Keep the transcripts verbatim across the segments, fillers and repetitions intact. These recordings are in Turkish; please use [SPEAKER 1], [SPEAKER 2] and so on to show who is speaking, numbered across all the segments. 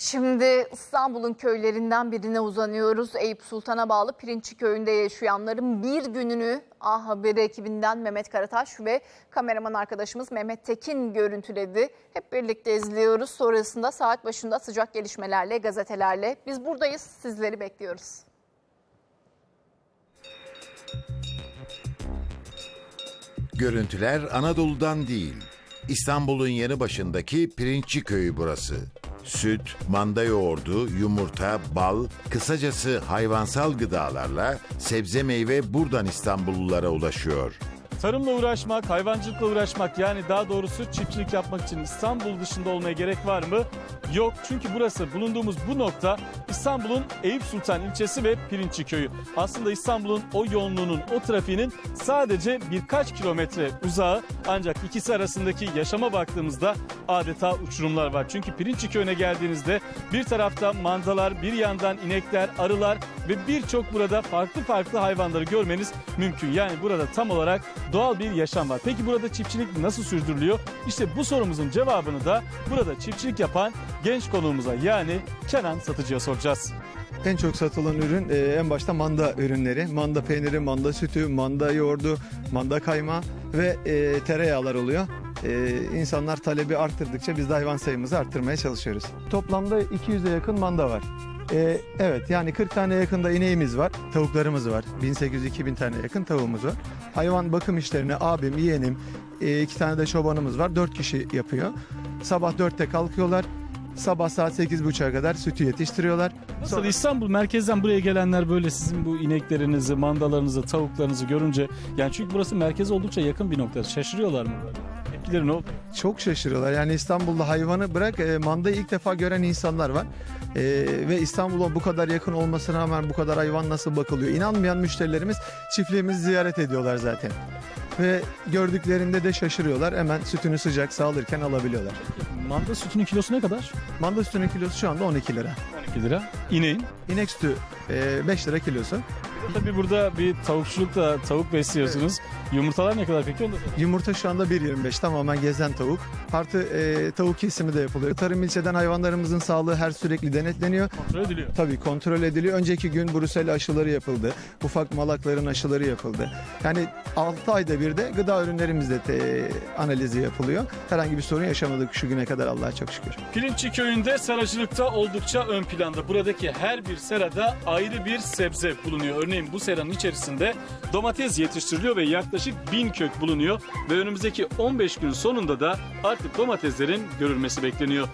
[SPEAKER 1] Şimdi İstanbul'un köylerinden birine uzanıyoruz. Eyüp Sultan'a bağlı Pirinççi Köyü'nde yaşayanların bir gününü A Haber ekibinden Mehmet Karataş ve kameraman arkadaşımız Mehmet Tekin görüntüledi. Hep birlikte izliyoruz. Sonrasında saat başında sıcak gelişmelerle, gazetelerle biz buradayız, sizleri bekliyoruz.
[SPEAKER 2] Görüntüler Anadolu'dan değil. İstanbul'un yanı başındaki Pirinççi Köyü burası. Süt, manda yoğurdu, yumurta, bal, kısacası hayvansal gıdalarla sebze meyve buradan İstanbullulara ulaşıyor.
[SPEAKER 3] Tarımla uğraşmak, hayvancılıkla uğraşmak, yani daha doğrusu çiftçilik yapmak için İstanbul dışında olmaya gerek var mı? Yok, çünkü burası, bulunduğumuz bu nokta İstanbul'un Eyüp Sultan ilçesi ve Pirinççi Köyü. Aslında İstanbul'un o yoğunluğunun, o trafiğinin sadece birkaç kilometre uzağı, ancak ikisi arasındaki yaşama baktığımızda adeta uçurumlar var. Çünkü Pirinççi Köyü'ne geldiğinizde bir tarafta mandalar, bir yandan inekler, arılar ve birçok burada farklı farklı hayvanları görmeniz mümkün. Yani burada tam olarak doğal bir yaşam var. Peki burada çiftçilik nasıl sürdürülüyor? İşte bu sorumuzun cevabını da burada çiftçilik yapan genç konuğumuza, yani Kenan Satıcı'ya soracağız.
[SPEAKER 4] En çok satılan ürün e, en başta manda ürünleri. Manda peyniri, manda sütü, manda yoğurdu, manda kaymağı ve e, tereyağlar oluyor. E, insanlar talebi arttırdıkça biz de hayvan sayımızı arttırmaya çalışıyoruz. Toplamda iki yüze yakın manda var. E, evet, yani kırk tane yakında ineğimiz var, tavuklarımız var. bin sekiz yüz iki bin tane yakın tavuğumuz var. Hayvan bakım işlerini abim, yeğenim, e, iki tane de çobanımız var. dört kişi yapıyor. Sabah dörtte kalkıyorlar. Sabah saat sekiz buçuğa kadar sütü yetiştiriyorlar.
[SPEAKER 3] Nasıl
[SPEAKER 4] Sonra...
[SPEAKER 3] İstanbul merkezden buraya gelenler böyle sizin bu ineklerinizi, mandalarınızı, tavuklarınızı görünce, yani çünkü burası merkeze oldukça yakın bir nokta, şaşırıyorlar mı? Tepkileri ne oldu?
[SPEAKER 4] Çok şaşırıyorlar. Yani İstanbul'da hayvanı bırak, e, mandayı ilk defa gören insanlar var. E, ve İstanbul'a bu kadar yakın olmasına rağmen bu kadar hayvan nasıl bakılıyor? İnanmayan müşterilerimiz çiftliğimizi ziyaret ediyorlar zaten. Ve gördüklerinde de şaşırıyorlar. Hemen sütünü sıcak sağlarken alabiliyorlar.
[SPEAKER 3] Manda sütünün kilosu ne kadar?
[SPEAKER 4] Manda sütünün kilosu şu anda on iki lira.
[SPEAKER 3] on iki lira. İneğin?
[SPEAKER 4] İnek sütü e, beş lira kilosu.
[SPEAKER 3] Tabii burada bir tavukçulukla tavuk besliyorsunuz. Evet. Yumurtalar ne kadar peki? Onu da
[SPEAKER 4] Yumurta şu anda bir yirmi beş, tamamen gezen tavuk. Artı e, tavuk kesimi de yapılıyor. Tarım ilçeden hayvanlarımızın sağlığı her sürekli denetleniyor.
[SPEAKER 3] kontrol ediliyor.
[SPEAKER 4] Tabii kontrol ediliyor. Önceki gün Brusel aşıları yapıldı. Ufak malakların aşıları yapıldı. Yani altı ayda bir de gıda ürünlerimizde te, analizi yapılıyor. Herhangi bir sorun yaşamadık şu güne kadar, Allah'a çok şükür.
[SPEAKER 3] Pirinççi Köyü'nde seracılıkta oldukça ön planda. Buradaki her bir serada ayrı bir sebze bulunuyor. Örneğin bu seranın içerisinde domates yetiştiriliyor ve yaklaşık bin kök bulunuyor. Ve önümüzdeki on beş gün sonunda da artık domateslerin görülmesi bekleniyor.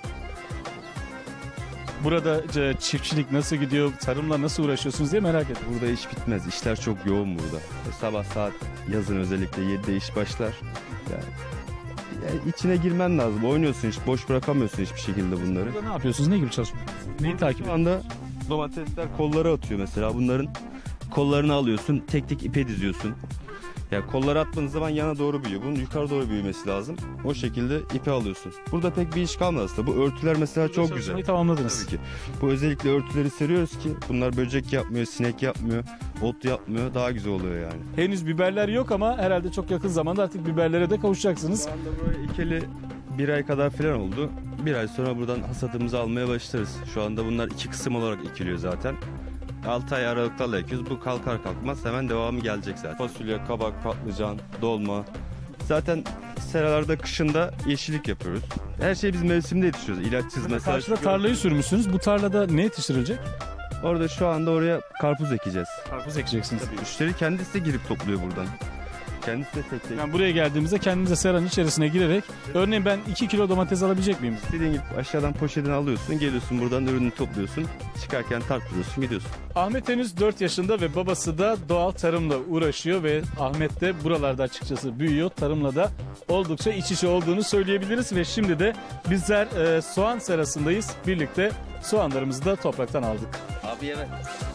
[SPEAKER 3] Burada çiftçilik nasıl gidiyor, tarımla nasıl uğraşıyorsunuz diye merak ettim.
[SPEAKER 5] Burada iş bitmez. İşler çok yoğun burada. E, sabah saat yazın özellikle yedide iş başlar. Yani, yani içine girmen lazım. Oynuyorsun, hiç boş bırakamıyorsun hiçbir şekilde bunları.
[SPEAKER 3] Burada ne yapıyorsunuz? Ne gibi çalışıyorsunuz? Neyi takip
[SPEAKER 5] Şu anda domatesler kolları atıyor mesela. Bunların kollarını alıyorsun, tek tek ipe diziyorsun. Yani kolları attığınız zaman yana doğru büyüyor. Bunun yukarı doğru büyümesi lazım. O şekilde ipe alıyorsun. Burada pek bir iş kalmadı aslında. Bu örtüler mesela çok güzel.
[SPEAKER 3] Çalışmayı tamamladınız.
[SPEAKER 5] Tabii ki. Bu özellikle örtüleri seriyoruz ki bunlar böcek yapmıyor, sinek yapmıyor, ot yapmıyor. Daha güzel oluyor yani.
[SPEAKER 3] Henüz biberler yok ama herhalde çok yakın zamanda artık biberlere de kavuşacaksınız.
[SPEAKER 5] Şu anda böyle ikili bir ay kadar falan oldu. Bir ay sonra buradan hasadımızı almaya başlarız. Şu anda bunlar iki kısım olarak ekiliyor zaten. altı ay aralıklarla ekiyoruz. Bu kalkar kalkmaz hemen devamı gelecek zaten. Fasulye, kabak, patlıcan, dolma. Zaten seralarda kışında yeşillik yapıyoruz. Her şeyi biz mevsimde yetiştiriyoruz. İlaçsız mesela.
[SPEAKER 3] Karşıda tarlayı sürmüşsünüz. Bu tarlada ne yetiştirilecek?
[SPEAKER 5] Orada şu anda oraya karpuz ekeceğiz.
[SPEAKER 3] Karpuz ekeceksiniz.
[SPEAKER 5] Tabii müşteri kendisi de girip topluyor buradan. Kendisi de tek tek.
[SPEAKER 3] Yani buraya geldiğimizde kendimize seranın içerisine girerek, örneğin ben iki kilo domates alabilecek miyim?
[SPEAKER 5] Dediğin gibi aşağıdan poşetini alıyorsun, geliyorsun buradan ürünü topluyorsun. Çıkarken tartıyorsun, gidiyorsun.
[SPEAKER 3] Ahmet henüz dört yaşında ve babası da doğal tarımla uğraşıyor ve Ahmet de buralarda açıkçası büyüyor. Tarımla da oldukça iç içe olduğunu söyleyebiliriz ve şimdi de bizler e, soğan serasındayız. Birlikte soğanlarımızı da topraktan aldık.
[SPEAKER 6] Abi yeme.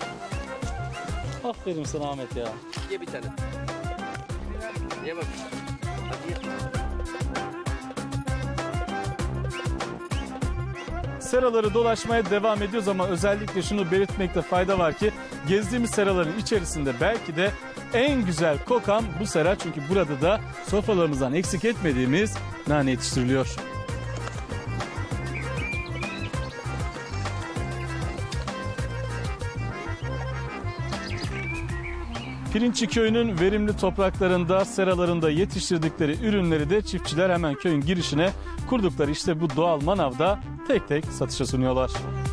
[SPEAKER 3] Aferin sana Ahmet ya.
[SPEAKER 6] Ye bir tane. Ye bak. Hadi ye.
[SPEAKER 3] Seraları dolaşmaya devam ediyoruz ama özellikle şunu belirtmekte fayda var ki gezdiğimiz seraların içerisinde belki de en güzel kokan bu sera, çünkü burada da sofralarımızdan eksik etmediğimiz nane yetiştiriliyor. Pirinççi Köyü'nün verimli topraklarında, seralarında yetiştirdikleri ürünleri de çiftçiler hemen köyün girişine kurdukları işte bu doğal manavda tek tek satışa sunuyorlar.